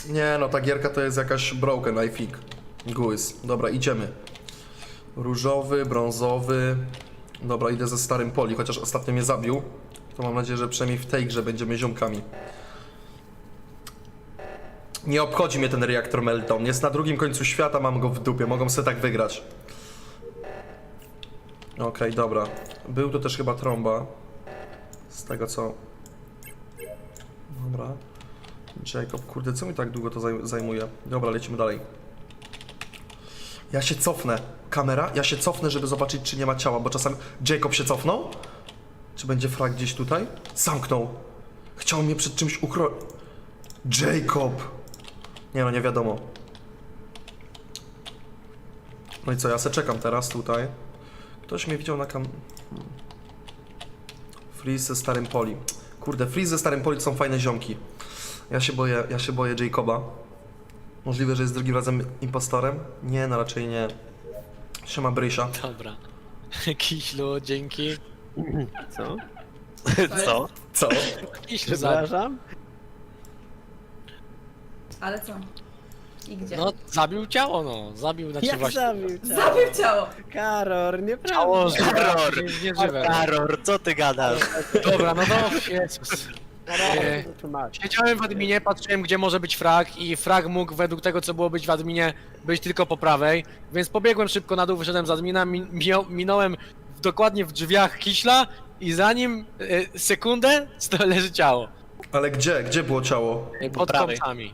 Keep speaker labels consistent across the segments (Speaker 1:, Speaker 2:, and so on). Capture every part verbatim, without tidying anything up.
Speaker 1: Nie no, ta gierka to jest jakaś broken, I think. Guys. Dobra, idziemy. Różowy, brązowy. Dobra, idę ze starym poli, chociaż ostatnio mnie zabił. To mam nadzieję, że przynajmniej w tej grze będziemy ziomkami. Nie obchodzi mnie ten reaktor Meltdown. Jest na drugim końcu świata, mam go w dupie. Mogą sobie tak wygrać. Okej, okay, dobra. Był to też chyba trąba. Z tego co... Dobra. Jacob, kurde, co mi tak długo to zaj zajmuje? Dobra, lecimy dalej. Ja się cofnę. Kamera? Ja się cofnę, żeby zobaczyć, czy nie ma ciała, bo czasami... Jacob się cofnął? Czy będzie frag gdzieś tutaj? Zamknął. Chciał mnie przed czymś ukro... Jacob! Nie no, nie wiadomo. No i co, ja se czekam teraz tutaj. Ktoś mnie widział na kam... Freeze ze starym poli. Kurde, Freeze ze starym poli to są fajne ziomki. Ja się boję, ja się boję Jacoba. Możliwe, że jest drugim razem impostorem? Nie, no raczej nie. Siema Brysia.
Speaker 2: Dobra. Kiślu, dzięki.
Speaker 3: Co?
Speaker 4: Co?
Speaker 1: Co?
Speaker 2: Kiślu, zabił.
Speaker 3: Przepraszam?
Speaker 4: Ale co? I gdzie?
Speaker 2: No, zabił ciało, no. Zabił, znaczy
Speaker 3: Jak
Speaker 2: właśnie...
Speaker 3: zabił ciało?
Speaker 4: Zabił ciało!
Speaker 3: Karor, nieprawda.
Speaker 2: Ciało,
Speaker 5: Karor.
Speaker 2: jest nieżywe.
Speaker 5: Karor, co ty gadasz?
Speaker 2: Dobra, no to... Jezus.
Speaker 3: Karor,
Speaker 2: E,
Speaker 3: to tłumacz.
Speaker 2: Siedziałem w adminie, patrzyłem gdzie może być frag i frag mógł według tego co było być w adminie być tylko po prawej, więc pobiegłem szybko na dół, wyszedłem z admina, min mio- minąłem w, dokładnie w drzwiach Kiśla i za nim e, sekundę sto leży ciało.
Speaker 1: Ale gdzie? Gdzie było ciało?
Speaker 2: E, pod
Speaker 5: prawej.
Speaker 2: kąsami.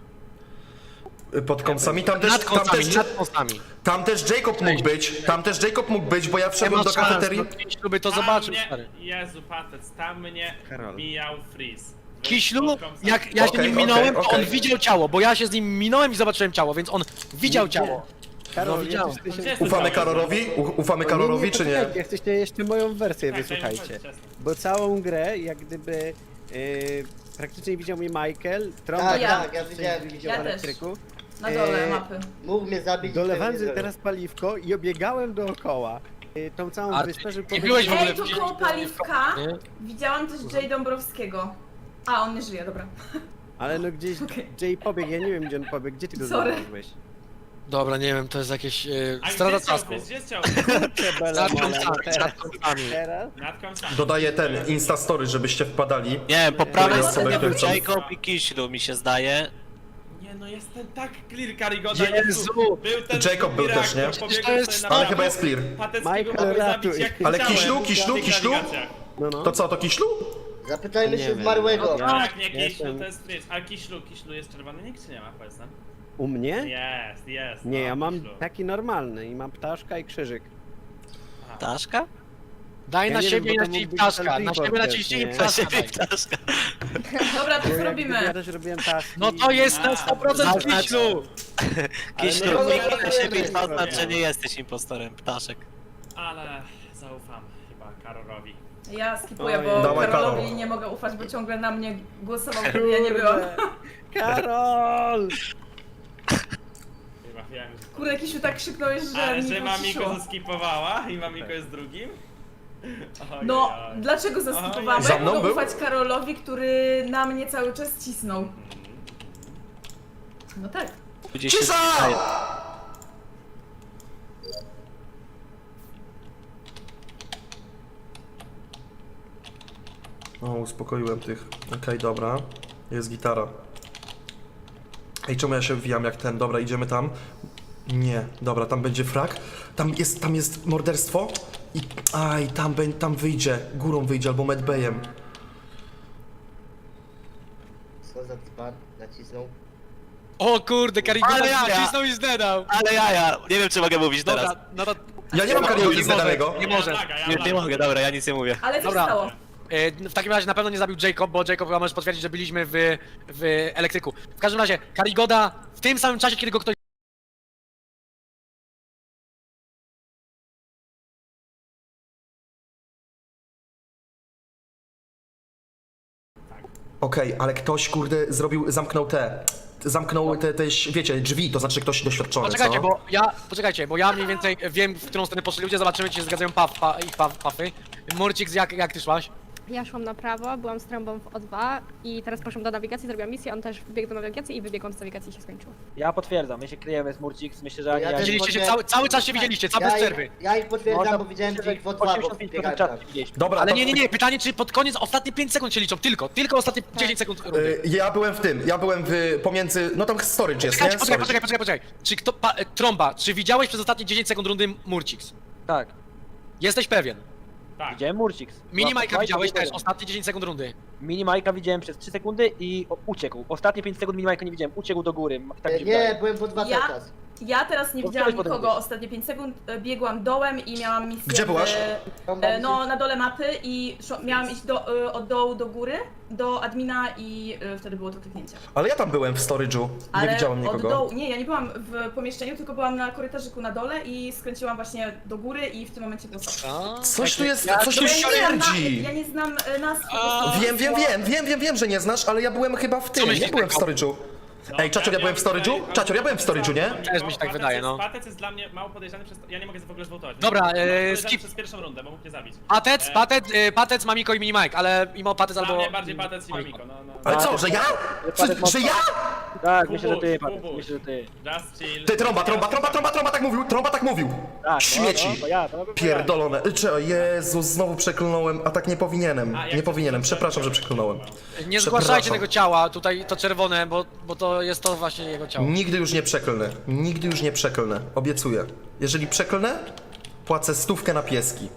Speaker 1: Pod kąsami? Tam też,
Speaker 2: Nad
Speaker 1: tam
Speaker 2: kąsami,
Speaker 1: też,
Speaker 2: nad kąsami.
Speaker 1: tam też Jacob mógł być. Tam też Jacob mógł być, bo ja
Speaker 2: Nie
Speaker 1: wszedłem
Speaker 2: ma
Speaker 1: do
Speaker 2: szans,
Speaker 1: kafeterii.
Speaker 2: no Kiślu by to
Speaker 6: Tam
Speaker 2: zobaczył,
Speaker 6: mnie,
Speaker 2: stary.
Speaker 6: Jezu, patec, tam mnie
Speaker 3: Karol.
Speaker 6: bijał Freeze.
Speaker 2: Kiślu, jak ja się
Speaker 1: Okej,
Speaker 2: nim
Speaker 1: okej,
Speaker 2: minąłem, to
Speaker 1: okej.
Speaker 2: on widział ciało, bo ja się z nim minąłem i zobaczyłem ciało, więc on widział
Speaker 3: Nie,
Speaker 2: ciało.
Speaker 3: Karol,
Speaker 2: No, widziałem.
Speaker 3: ja coś-
Speaker 6: Gdzie jest
Speaker 1: Ufamy
Speaker 6: ten ciało?
Speaker 1: Karolowi? U- Ufamy
Speaker 3: O,
Speaker 1: Karolowi czy nie?
Speaker 3: poczekajcie, chcecie jeszcze moją wersję,
Speaker 6: Tak,
Speaker 3: wysłuchajcie.
Speaker 6: tak, tak, tak.
Speaker 3: Bo całą grę, jak gdyby yy, praktycznie widział mnie Michael, trąba
Speaker 7: Tak,
Speaker 4: Ja.
Speaker 7: tak, ja widziałem,
Speaker 3: widział
Speaker 4: Ja
Speaker 3: w
Speaker 4: też.
Speaker 3: elektryku.
Speaker 4: Na dole
Speaker 3: Eee,
Speaker 4: mapy.
Speaker 7: mógł mnie zabić. i
Speaker 3: Dolewałem
Speaker 7: tego nie
Speaker 3: sobie teraz paliwko i obiegałem dookoła. Yy, tą całą
Speaker 2: A
Speaker 3: wyspę, żeby
Speaker 2: nie byłeś w ogóle
Speaker 4: Ej, tu
Speaker 2: w-
Speaker 4: koło paliwka
Speaker 2: Nie?
Speaker 4: widziałam też Jay Dąbrowskiego. A, on nie żyje, dobra.
Speaker 3: Ale no gdzieś
Speaker 4: Okej.
Speaker 3: Jay pobiegł, ja nie wiem gdzie on pobiegł, gdzie ty go
Speaker 4: Sorry.
Speaker 3: znalazłeś?
Speaker 2: Dobra, nie wiem, to jest jakieś... Yy,
Speaker 6: A
Speaker 2: strata
Speaker 6: gdzie jest ciało
Speaker 2: czasku.
Speaker 6: Freeze? Gdzie jest ciało?
Speaker 2: Nad
Speaker 3: Mola,
Speaker 2: kąsami,
Speaker 3: teraz,
Speaker 2: nad kąsami.
Speaker 3: teraz?
Speaker 6: Nad kąsami.
Speaker 1: Dodaję ten Instastory, żebyście wpadali.
Speaker 5: Nie, po prawej
Speaker 1: osoby,
Speaker 5: stronie
Speaker 1: które
Speaker 5: był
Speaker 1: chcą-
Speaker 5: Jacob i Kiślu, mi się zdaje.
Speaker 6: Nie no, jestem tak clear, Karygoda.
Speaker 2: Jezu!
Speaker 6: Był ten
Speaker 1: Jacob był
Speaker 6: drugi
Speaker 1: też, nie?
Speaker 6: reaktor, pobiegłem
Speaker 2: To jest
Speaker 6: sobie na
Speaker 1: Ale
Speaker 6: prawo,
Speaker 1: chyba jest clear.
Speaker 6: Pateckiego
Speaker 3: Michael,
Speaker 6: mogłeś zabić
Speaker 3: ratuj.
Speaker 6: jak
Speaker 1: Ale
Speaker 6: chciałem
Speaker 1: Kiślu,
Speaker 6: w
Speaker 1: Kiślu,
Speaker 6: tych
Speaker 1: Kiślu?
Speaker 6: nawigacjach.
Speaker 3: No, no.
Speaker 1: To co, to Kiślu?
Speaker 7: Zapytajmy
Speaker 3: Nie
Speaker 7: się
Speaker 3: wiem.
Speaker 7: zmarłego.
Speaker 3: Ja-
Speaker 6: Tak, nie
Speaker 3: jestem-
Speaker 6: Kiślu, to jest Freeze. A Kiślu, Kiślu jest czerwony nikt czy nie ma, powiedz nam?
Speaker 3: U mnie?
Speaker 6: Jest, jest.
Speaker 3: Nie,
Speaker 6: no,
Speaker 3: ja mam
Speaker 6: Kiślu.
Speaker 3: taki normalny i mam ptaszka i krzyżyk.
Speaker 5: Ptaszka?
Speaker 2: Daj
Speaker 3: Ja
Speaker 2: na
Speaker 3: nie
Speaker 2: siebie
Speaker 3: wiem,
Speaker 2: i
Speaker 3: bo
Speaker 2: na
Speaker 3: to
Speaker 2: ciebie
Speaker 3: mógł być
Speaker 2: ptaszka,
Speaker 3: ten
Speaker 2: na siebie
Speaker 3: report
Speaker 2: na
Speaker 3: też,
Speaker 2: ciebie i
Speaker 3: nie?
Speaker 2: ptaszka daj.
Speaker 5: Ptaszka.
Speaker 4: Dobra, to
Speaker 3: Bo
Speaker 4: co
Speaker 3: jak gdyby ja
Speaker 4: robimy?
Speaker 3: też robiłem taski.
Speaker 2: No to jest na sto procent
Speaker 5: Zaznacz-
Speaker 2: Kiślu!
Speaker 5: Kiślu,
Speaker 3: no to
Speaker 5: nikt
Speaker 3: nie
Speaker 5: na
Speaker 3: wiem,
Speaker 5: siebie
Speaker 3: nie
Speaker 5: oznacz,
Speaker 3: wiem.
Speaker 5: że nie jesteś impostorem, ptaszek.
Speaker 6: Ale zaufam chyba Karolowi.
Speaker 4: Ja skipuję,
Speaker 3: Oj.
Speaker 4: bo
Speaker 1: Dawaj,
Speaker 4: Karolowi
Speaker 1: Karol.
Speaker 4: nie mogę ufać, bo ciągle na mnie głosował, kiedy ja nie byłam.
Speaker 3: Kurde. Karol!
Speaker 6: Chyba wiem, że...
Speaker 4: Kurde, Kisiu, tak krzyknąłeś, że
Speaker 6: Ale
Speaker 4: mi
Speaker 6: że Mamiko
Speaker 4: wyciszyło.
Speaker 6: zaskipowała i Mamiko jest drugim? Ojej,
Speaker 4: No,
Speaker 6: oj.
Speaker 4: dlaczego zaskipowałam? Bo
Speaker 1: Za
Speaker 4: jak
Speaker 1: mną
Speaker 4: mogę
Speaker 1: był?
Speaker 4: ufać Karolowi, który na mnie cały czas cisnął? No tak.
Speaker 5: Gdzieś się
Speaker 1: Cisza!
Speaker 5: zdaje.
Speaker 1: O, uspokoiłem tych. Okej, dobra. Jest gitara. Ej, czemu ja się wbijam jak ten? Dobra, idziemy tam. Nie, dobra, tam będzie frak. Tam jest, tam jest morderstwo. I, aj, tam, bę- tam wyjdzie. Górą wyjdzie albo medbayem.
Speaker 7: Co za dzban nacisnął?
Speaker 2: O kurde, Karigoda
Speaker 5: Ale jaja!
Speaker 2: nacisnął i zdedał!
Speaker 5: Ale jaja, nie wiem czy mogę mówić teraz.
Speaker 2: Dobra, no to...
Speaker 1: Ja nie mam
Speaker 2: Nie
Speaker 1: Karygody
Speaker 2: może,
Speaker 1: zadanego.
Speaker 2: Nie może.
Speaker 6: Ja laga, ja
Speaker 5: Nie, nie
Speaker 6: laga.
Speaker 5: mogę, dobra, ja nic nie mówię.
Speaker 4: Ale co się
Speaker 2: Dobra.
Speaker 4: stało?
Speaker 2: E, W takim razie na pewno nie zabił Jacob, bo Jacob chyba możesz potwierdzić, że byliśmy w, w elektryku. W każdym razie, Karigoda w tym samym czasie, kiedy go ktoś...
Speaker 1: Okej, ale ktoś, kurde, zrobił, zamknął te... Zamknął te, te, wiecie, drzwi, to znaczy ktoś doświadczony,
Speaker 2: Poczekajcie,
Speaker 1: co?
Speaker 2: bo ja, poczekajcie, bo ja mniej więcej wiem, w którą stronę poszli ludzie, zobaczymy, czy się zgadzają paf, pa, ich paf, pafy. Murcik, jak, jak ty szłaś?
Speaker 8: Ja szłam na prawo, byłam z trąbą w O dwa i teraz poszłam do nawigacji, zrobiłam misję, on też wbiegł do nawigacji i wybiegłam z nawigacji i się skończyło.
Speaker 9: Ja potwierdzam, my się kryjemy z Murcix, myślę, że...
Speaker 7: Ja
Speaker 9: ja
Speaker 7: też
Speaker 2: Widzieliście się,
Speaker 7: potwier-
Speaker 2: cały, cały czas się widzieliście, cały
Speaker 7: Ja
Speaker 2: bez
Speaker 7: ich,
Speaker 2: przerwy.
Speaker 7: ja ich potwierdzam,
Speaker 9: Można-
Speaker 7: bo widziałem
Speaker 9: myślę, że
Speaker 7: ich w dwa, bo
Speaker 9: osiemdziesiąt pięć procent
Speaker 7: biegają
Speaker 9: czasu widzieliśmy.
Speaker 1: Dobra,
Speaker 2: Ale
Speaker 1: to-
Speaker 2: nie, nie, nie, pytanie czy pod koniec, ostatnie pięć sekund się liczą, tylko, tylko ostatnie dziesięć sekund rundy.
Speaker 1: Y, Ja byłem w tym, ja byłem w, pomiędzy, no tam storage jest, nie?
Speaker 2: Poczekaj, poczekaj,
Speaker 1: Storage.
Speaker 2: poczekaj, poczekaj, poczekaj. Czy kto, pa, e, Trąba, czy widziałeś przez ostatnie dziesięć sekund rundy Murcix?
Speaker 9: Tak,
Speaker 2: Jesteś pewien?
Speaker 6: Tak.
Speaker 9: widziałem Murcix.
Speaker 2: Mini Majka
Speaker 9: Majka
Speaker 2: widziałeś też,
Speaker 9: widziałem.
Speaker 2: ostatnie dziesięć sekund rundy.
Speaker 9: Mini Majka widziałem przez trzy sekundy i o, uciekł. Ostatnie pięć sekund Mini Majka nie widziałem, uciekł do góry. Tak mi się
Speaker 7: Nie,
Speaker 9: wydaje.
Speaker 7: byłem w dwa
Speaker 4: Ja?
Speaker 7: cały czas.
Speaker 4: Ja teraz nie
Speaker 9: To
Speaker 4: widziałam
Speaker 9: potem
Speaker 4: nikogo
Speaker 9: mówisz.
Speaker 4: ostatnie pięć sekund, e, biegłam dołem i miałam misję
Speaker 1: Gdzie byłaś?
Speaker 4: w- e, No, na dole mapy i szo- miałam iść do, e, od dołu do góry, do admina i e, wtedy było to kliknięcie.
Speaker 1: Ale ja tam byłem w storage'u, nie
Speaker 4: Ale
Speaker 1: widziałem
Speaker 4: od
Speaker 1: nikogo.
Speaker 4: dołu, nie, ja nie byłam w pomieszczeniu, tylko byłam na korytarzyku na dole i skręciłam właśnie do góry i w tym momencie było stop.
Speaker 2: A,
Speaker 1: Coś tu jest,
Speaker 2: ja-
Speaker 1: coś tu
Speaker 4: Ja nie znam na-
Speaker 1: śmierdzi!
Speaker 4: Ja nie znam e, nazw. po
Speaker 2: A,
Speaker 4: prostu.
Speaker 1: Wiem, wiem, wiem, wiem, wiem, wiem, że nie znasz, ale ja byłem chyba w tym,
Speaker 2: myślisz,
Speaker 1: nie byłem w
Speaker 2: Michał?
Speaker 1: storage'u. Ej, Czacior, ja byłem w storage'u? Czacior, ja byłem w storage'u, nie?
Speaker 2: Też mi się tak wydaje, no.
Speaker 6: Patec jest dla mnie mało podejrzany przez... Ja nie mogę w ogóle zwołtować.
Speaker 2: Dobra,
Speaker 6: Mało
Speaker 2: e,
Speaker 6: podejrzany
Speaker 2: skip.
Speaker 6: przez pierwszą rundę, bo mógł mnie zabić.
Speaker 2: Patec,
Speaker 6: E,
Speaker 2: patec, y, patec, Mamiko i Mini Mike, ale mimo patec
Speaker 6: Dla
Speaker 2: albo...
Speaker 6: mnie bardziej Patec i Mamiko, no, no.
Speaker 1: Ale co, że ja? Że, że ja?
Speaker 9: Tak, myślę, że ty,
Speaker 6: Kubuś,
Speaker 9: Patryk,
Speaker 6: Kubuś.
Speaker 9: myślę, że ty.
Speaker 6: Just chill.
Speaker 1: Ty, trąba, trąba, trąba, trąba, trąba tak mówił, trąba tak mówił.
Speaker 9: Tak,
Speaker 1: Śmieci.
Speaker 9: No, no, to ja, to na pewno
Speaker 1: Pierdolone. Cze, Jezu, znowu przeklnąłem, a tak nie powinienem.
Speaker 6: A, jak
Speaker 1: Nie
Speaker 6: to-
Speaker 1: powinienem, przepraszam, że przeklnąłem.
Speaker 2: Nie
Speaker 1: Przepraszam.
Speaker 2: zgłaszajcie tego ciała, tutaj to czerwone, bo, bo to jest to właśnie jego ciało.
Speaker 1: Nigdy już nie przeklnę. Nigdy już nie przeklnę. Obiecuję. Jeżeli przeklnę, płacę stówkę na pieski.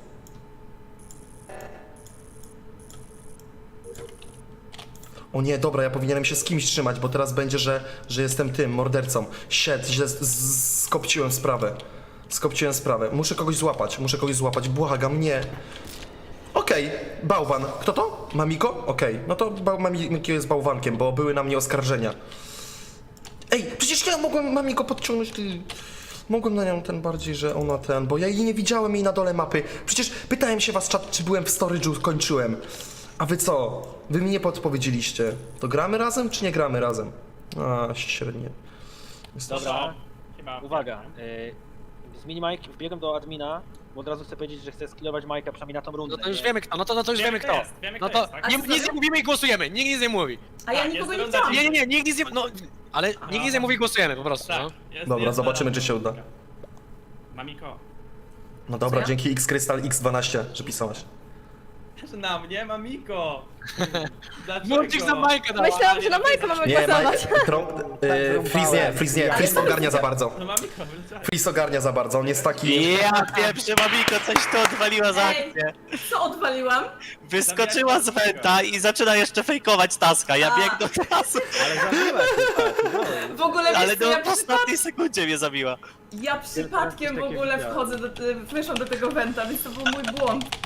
Speaker 1: O nie, dobra, ja powinienem się z kimś trzymać, bo teraz będzie, że, że jestem tym, mordercą. Shit, źle z- z- skopciłem sprawę. Skopciłem sprawę. Muszę kogoś złapać, muszę kogoś złapać, błagam, nie. Okej, bałwan. Kto to? Mamiko? Okej, no to bał, Mamiko jest bałwankiem, bo były na mnie oskarżenia. Ej, przecież ja mogłem Mamiko podciągnąć, ty... Mogłem na nią ten bardziej, że ona ten, bo ja jej nie widziałem jej na dole mapy. Przecież pytałem się was, czat, czy byłem w storage'u, kończyłem. A wy co? Wy mi nie podpowiedzieliście. To gramy razem, czy nie gramy razem? A, średnie. Jest to-
Speaker 9: Dobra,
Speaker 6: Chyba...
Speaker 9: uwaga. Y, z Mini Mike wbiegłem do admina, bo od razu chcę powiedzieć, że chcę skillować Majka przynajmniej na tą rundę.
Speaker 2: No to już
Speaker 9: nie?
Speaker 2: wiemy kto, no to, no to już
Speaker 6: Wiemy,
Speaker 2: wiemy
Speaker 6: kto
Speaker 2: kto.
Speaker 6: jest, wiemy,
Speaker 2: No
Speaker 6: kto
Speaker 2: to
Speaker 6: jest, tak?
Speaker 2: nie,
Speaker 4: A
Speaker 2: nic nie mówimy i głosujemy, nikt nic nie mówi.
Speaker 4: A ja
Speaker 6: Tak,
Speaker 4: nikogo
Speaker 6: jest
Speaker 4: nie
Speaker 6: runda
Speaker 4: widziałam.
Speaker 2: Nie, nie, nie, nikt nic nie... no... Ale nikt nic nie mówi i głosujemy po prostu,
Speaker 6: Tak,
Speaker 2: no.
Speaker 6: jest,
Speaker 1: Dobra,
Speaker 6: jest
Speaker 1: zobaczymy,
Speaker 6: na-
Speaker 1: czy się uda.
Speaker 6: Mamiko.
Speaker 1: No dobra,
Speaker 4: Co ja?
Speaker 1: dzięki X Crystal X dwanaście, że pisałaś.
Speaker 6: Na mnie, Mamiko! Dlaczego?
Speaker 2: Murcik za Majka dała.
Speaker 8: Myślałam, że na Majka mamy
Speaker 1: Nie, Maj...
Speaker 8: głosować.
Speaker 1: Trą... Yy, Freeze nie, Freeze nie, Freeze ogarnia za bardzo.
Speaker 6: No Mamiko, wyleciałeś.
Speaker 1: Freeze ogarnia za bardzo, on jest taki...
Speaker 5: Ja pierwszy Mamiko, coś tu odwaliła za
Speaker 4: Ej.
Speaker 5: akcję.
Speaker 4: Co odwaliłam?
Speaker 5: Wyskoczyła z wenta i zaczyna jeszcze fejkować taska. Ja
Speaker 4: A.
Speaker 5: biegnę do tasu,
Speaker 9: Ale zabiłaś się,
Speaker 4: W ogóle
Speaker 5: ale
Speaker 4: wiesz co,
Speaker 5: no
Speaker 4: ja,
Speaker 5: w
Speaker 4: przypad...
Speaker 5: ostatniej sekundzie mnie zabiła.
Speaker 4: ja przypadkiem w
Speaker 9: takie
Speaker 4: ogóle
Speaker 9: widziałem.
Speaker 4: wchodzę do, weszłam do tego wenta, więc to był mój błąd.